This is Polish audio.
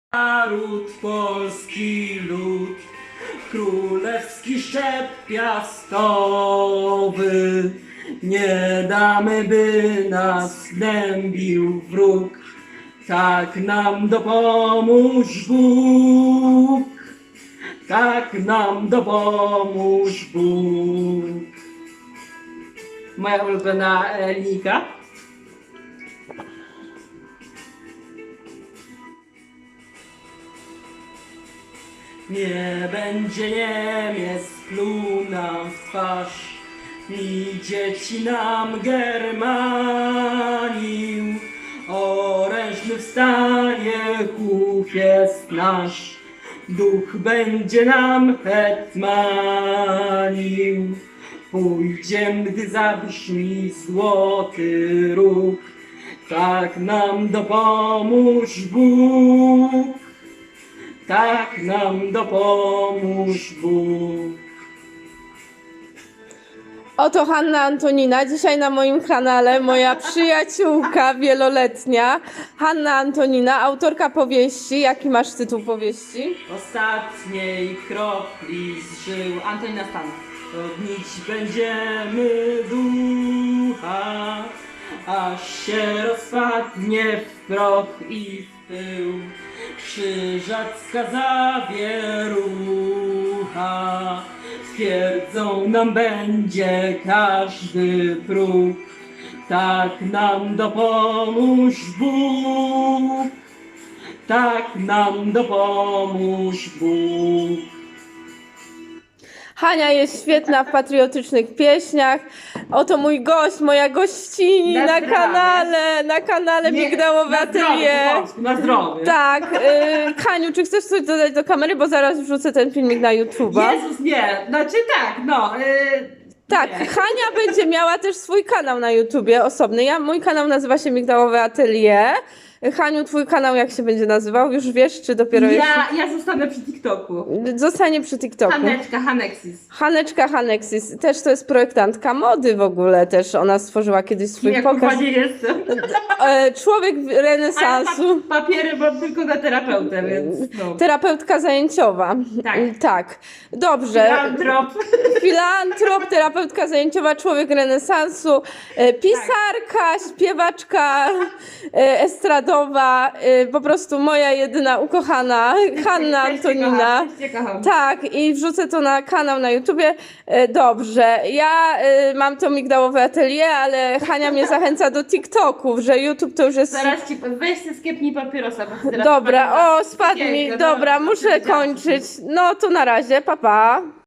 Naród polski lud, królewski szczep piastowy, nie damy, by nas gnębił wróg, tak nam dopomóż Bóg, tak nam dopomóż Bóg. Moja ulubiona linijka. Nie będzie Niemiec pluł nam w twarz, ni dzieci nam Germanił. Orężny wstanie chłop jest nasz, duch będzie nam hetmanił. Pójdziem, gdy zabrzmi złoty róg, tak nam dopomóż Bóg, tak nam dopomóż Bóg. Oto Hanna Antonina, dzisiaj na moim kanale moja przyjaciółka wieloletnia, Hanna Antonina, autorka powieści. Jaki masz tytuł powieści? Ostatniej kropli z żył Antonina Stan. Odnić będziemy ducha, aż się rozpadnie w proch i w pył. Krzyżacka zawierucha, twierdzą nam będzie każdy próg. Tak nam dopomóż Bóg, tak nam dopomóż Bóg. Hania jest świetna w patriotycznych pieśniach. Oto mój gość, moja gościni na kanale Migdałowe Atelier. Na zdrowie. Tak, Haniu, czy chcesz coś dodać do kamery, bo zaraz wrzucę ten filmik na YouTube'a. Jezus, nie, znaczy tak, no. Tak, nie. Hania będzie miała też swój kanał na YouTubie osobny. Mój kanał nazywa się Migdałowe Atelier. Haniu, twój kanał jak się będzie nazywał? Już wiesz, czy dopiero jeszcze? Ja zostanę przy TikToku. Zostanie przy TikToku. Haneczka Hanexis. Haneczka Hanexis. Też to jest projektantka mody w ogóle. Też ona stworzyła kiedyś swój Ja pokaz. kurwa nie jestem. Człowiek renesansu. Papiery mam tylko na terapeutę, więc no. Terapeutka zajęciowa. Tak. Tak. Dobrze. Filantrop. Filantrop, terapeutka zajęciowa, człowiek renesansu, pisarka, śpiewaczka estradowa, po prostu moja jedyna ukochana Hanna Antonina. Cię kocham. Tak, i wrzucę to na kanał na YouTubie. Dobrze, ja mam to Migdałowe Atelier, ale Hania mnie zachęca do TikToków, że YouTube to już jest... Zaraz ci weź się skiepnij papierosa, bo teraz Dobra, o, spadł mi, Piękne, dobra, no, muszę powiedziałam. kończyć. No to na razie, pa pa.